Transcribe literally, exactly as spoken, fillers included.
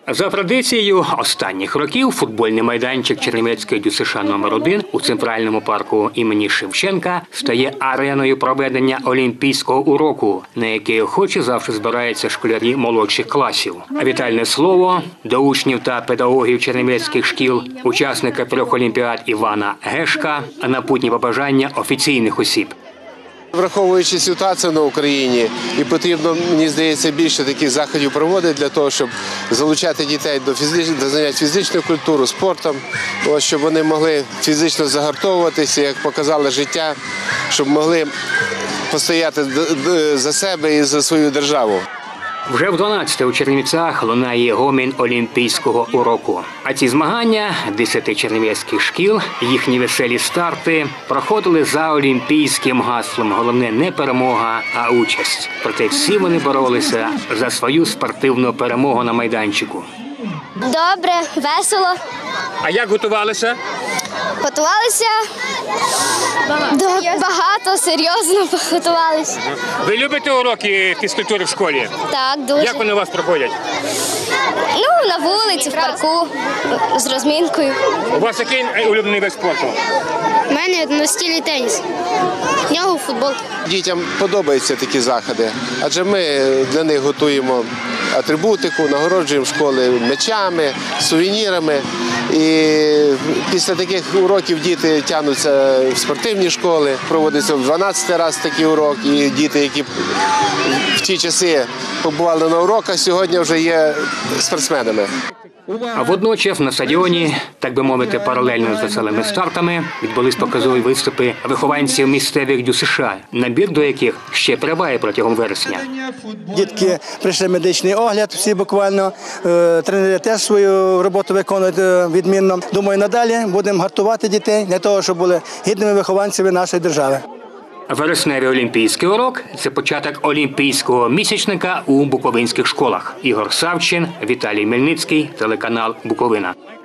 За традицією останніх років футбольний майданчик Чернівецької ДЮСШ номер один у центральному парку імені Шевченка стає ареною проведення олімпійського уроку, на який охоче завжди збираються школярі молодших класів. А вітальне слово до учнів та педагогів чернівецьких шкіл, учасника трьох олімпіад Івана Гешка, а напутні побажання офіційних осіб. Враховуючи ситуацію на Україні, і потрібно, мені здається, більше таких заходів проводити для того, щоб залучати дітей до, фізич... до занять фізичною культурою, спортом, ось, щоб вони могли фізично загартовуватися, як показало життя, щоб могли постояти за себе і за свою державу. Вже в дванадцяте у Чернівцях лунає гомін олімпійського уроку. А ці змагання десяти чернівецьких шкіл, їхні веселі старти проходили за олімпійським гаслом. Головне не перемога, а участь. Проте всі вони боролися за свою спортивну перемогу на майданчику. Добре, весело. А як готувалися? Готувалися багато, багато серйозно готувалися. Ви любите уроки фізкультури в школі? Так, дуже. Як вони у вас проходять? Ну, на вулиці, в парку, з розмінкою. У вас який улюблений вид спорту? У мене настільний теніс, в нього футбол. Дітям подобаються такі заходи, адже ми для них готуємо атрибутику, нагороджуємо школи м'ячами, сувенірами. І після таких уроків діти тягнуться в спортивні школи, проводиться в дванадцятий раз такий урок, і діти, які в ті часи побували на уроках, сьогодні вже є спортсменами. А водночас на стадіоні, так би мовити, паралельно з веселими стартами, відбулись показові виступи вихованців місцевих ДЮСШ, набір до яких ще триває протягом вересня. Дітки прийшли медичний огляд, всі буквально, тренери теж свою роботу виконують відмінно. Думаю, надалі будемо гартувати дітей для того, щоб були гідними вихованцями нашої держави. Вересневий олімпійський урок – це початок олімпійського місячника у буковинських школах. Ігор Савчин, Віталій Мельницький, телеканал «Буковина».